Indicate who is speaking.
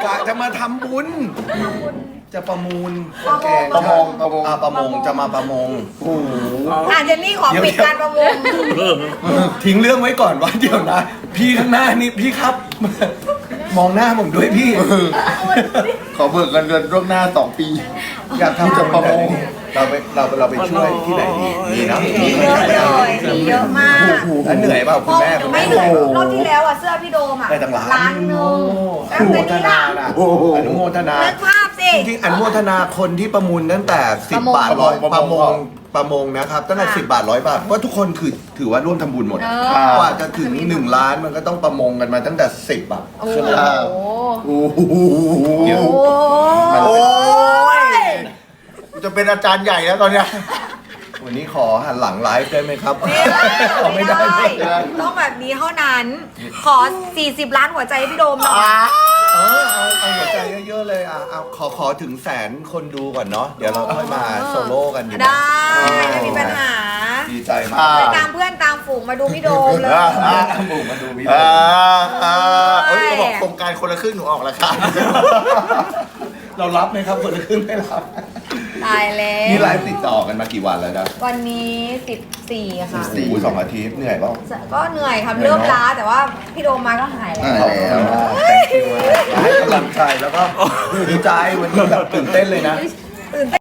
Speaker 1: กะจะมาทำบุญ จะประมูล
Speaker 2: ประมง
Speaker 1: ประมงจะมาประมง
Speaker 2: โอ้โห
Speaker 3: เจนนี่ขอปิดการประมูล
Speaker 1: ทิ้งเรื่องไว้ก่อนว่าเดี๋ยวนะ พี่ข้างหน้านี่พี่ครับ มองหน้าผมด้วยพี่
Speaker 2: ขอเบิกเงินเดือนล่วงหน้า2 ปี
Speaker 1: อยากทำจะประมงเราไปช่วยที่ไหนดีมีนะ
Speaker 3: มีเยอะเลยมีเยอะมาก
Speaker 1: แล้วเหนื่อยเปล่าคุณแม่คุณ
Speaker 3: ไม่
Speaker 1: แม่
Speaker 3: เหนื่อยรอบที่แล้วอ่ะเสื้อพี่โดมอ่ะ
Speaker 1: ได้ตั้งล้าน
Speaker 3: ล้านหนึง
Speaker 1: อ
Speaker 3: แล้ว
Speaker 1: นุโม
Speaker 3: เจน
Speaker 1: ท
Speaker 3: นี่
Speaker 1: นา
Speaker 3: ล่ะ
Speaker 1: นะ
Speaker 2: โอ้โห
Speaker 1: อนุโมทนา
Speaker 3: นึกภาพสิ
Speaker 1: จริงๆอนุโมทนาคนที่ประมูลตั้งแต่10 บาทร้อยประมงนะครับตั้งแต่10 บาท100 บาทเพราะทุกคนคือถือว่าร่วมทำบุญหมดอะกว่าจะถึง1 ล้านมันก็ต้องประมงกันมาตั้งแต่10 บาท
Speaker 3: โอ้โห
Speaker 2: โอ้โห
Speaker 1: เดี๋ยว
Speaker 2: โอ้ยกูจะเป็นอาจารย์ใหญ่แล้วตอนเนี้ย
Speaker 1: วันนี้ขอหันหลังไลฟ์ได้ไหมครับ
Speaker 3: ไม่ได้ต้องแบบนี้เท่านั้น ขอ 40 ล้านหัวใจให้พี่โดมหน่อย
Speaker 1: เอาหัวใจเยอะๆเลยเอาขอถึง100,000 คนดูก่อนเนาะเดี๋ยวเราค่อยมาโซโล่กันดี
Speaker 3: ได้ไม่มีปัญหา
Speaker 1: ดีใจมาก
Speaker 3: ไปตามเพื่อนตามฝูงมาดูพี่โดมเลย
Speaker 1: บุกมาดูพี่
Speaker 2: เอ้ยเขาบอกโครงการคนละครึ่งหนูออกแล้วครับ
Speaker 1: เรารับไหมครับคนละครึ่งไม่รับ
Speaker 3: ตายแล้ว
Speaker 1: นี่ไลฟ์ติดต่อกันมากี่วันแล้วนะ
Speaker 3: วันนี้14 ค่ะ
Speaker 1: โอ้โห2 อาทิตย์เหนื่อยเปล่า
Speaker 3: ก็เหนื่อยครับเริ่มล้าแต่ว่าพี่โดมมาก็หายแล้ว
Speaker 2: หายแล้ว
Speaker 1: แต่งคิวให้กำลังใจแล้วก็ดีใจวันนี้แบบตื่นเต้นเลยนะ
Speaker 3: ตื่นเต้น